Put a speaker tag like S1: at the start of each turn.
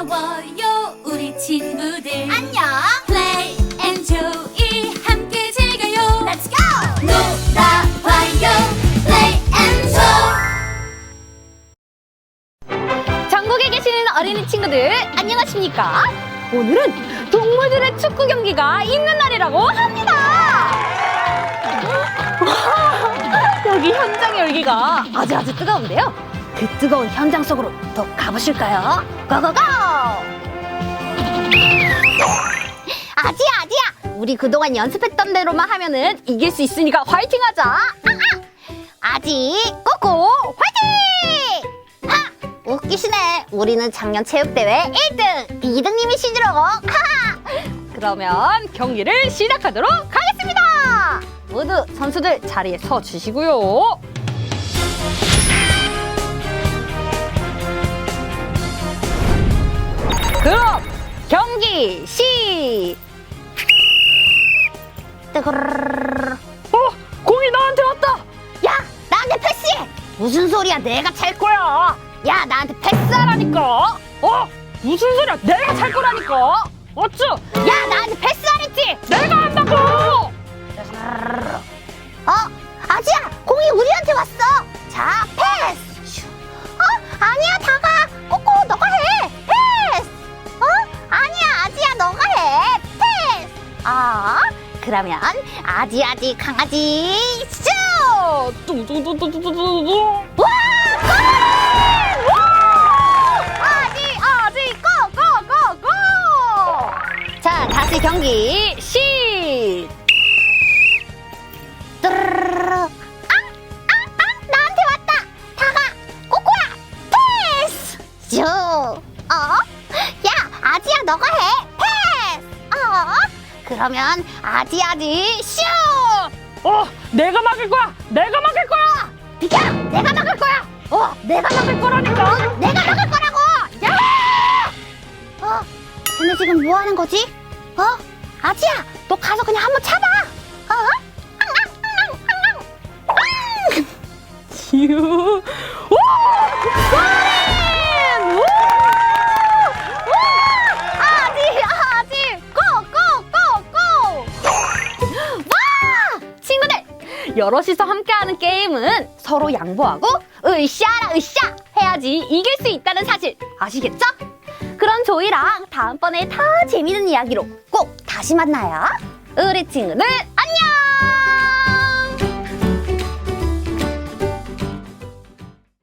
S1: 반가워요 우리 친구들
S2: 안녕.
S1: Play and Joy 함께 즐겨요
S2: Let's go.
S1: 놀아봐요 Play and Joy
S2: 전국에 계시는 어린이 친구들 안녕하십니까? 오늘은 동물들의 축구 경기가 있는 날이라고 합니다. 와, 여기 현장의 열기가 아주 뜨거운데요. 그 뜨거운 현장 속으로 또 가보실까요? 고고고! 아지야, 우리 그동안 연습했던 대로만 하면은 이길 수 있으니까 화이팅하자. 아지 꼬꼬 화이팅! 하! 웃기시네. 우리는 작년 체육대회 1등, 2등님이시죠? 그러면 경기를 시작하도록 하겠습니다. 모두 선수들 자리에 서 주시고요. 그럼 경기 공이 나한테 왔다. 야, 나한테 패스해. 무슨 소리야? 내가 찰 거야. 야, 나한테 패스하라니까. 무슨 소리야? 내가 찰 거라니까. 어쭈? 야, 나한테 패스하랬지. 내가 한다고. 아지야, 공이 우리한테 왔어. 자, 패스. 아니야, 다가. 꼬꼬, 너가 해. 패스. 아니야, 아지야, 너가 해. 패스. 그러면 아지 강아지 슛! 뚱뚱뚱뚱뚱뚱뚱. 와! 골! 아지 고고고고! 자, 다시 경기 나한테 왔다. 다가 꼬꼬야 패스! 슈! 야, 아지야, 너가 해. 패스! 그러면 아지 슛!
S3: 내가 막을 거야! 내가 막을 거야!
S2: 비켜! 내가 막을 거야! 내가 막을 거라니까! 내가 막을 거라고! 야! 쟤네 지금 뭐 하는 거지? 아지야! 너 가서 그냥 한번 차봐!
S3: 휴.
S2: 아지! 고고고고! 와! 친구들! 여럿이서 함께하는 게임은 서로 양보하고 으쌰라 으쌰 해야지 이길 수 있다는 사실 아시겠죠? 그럼 저희랑 다음번에 더 재밌는 이야기로 꼭 다시 만나요. 우리 친구들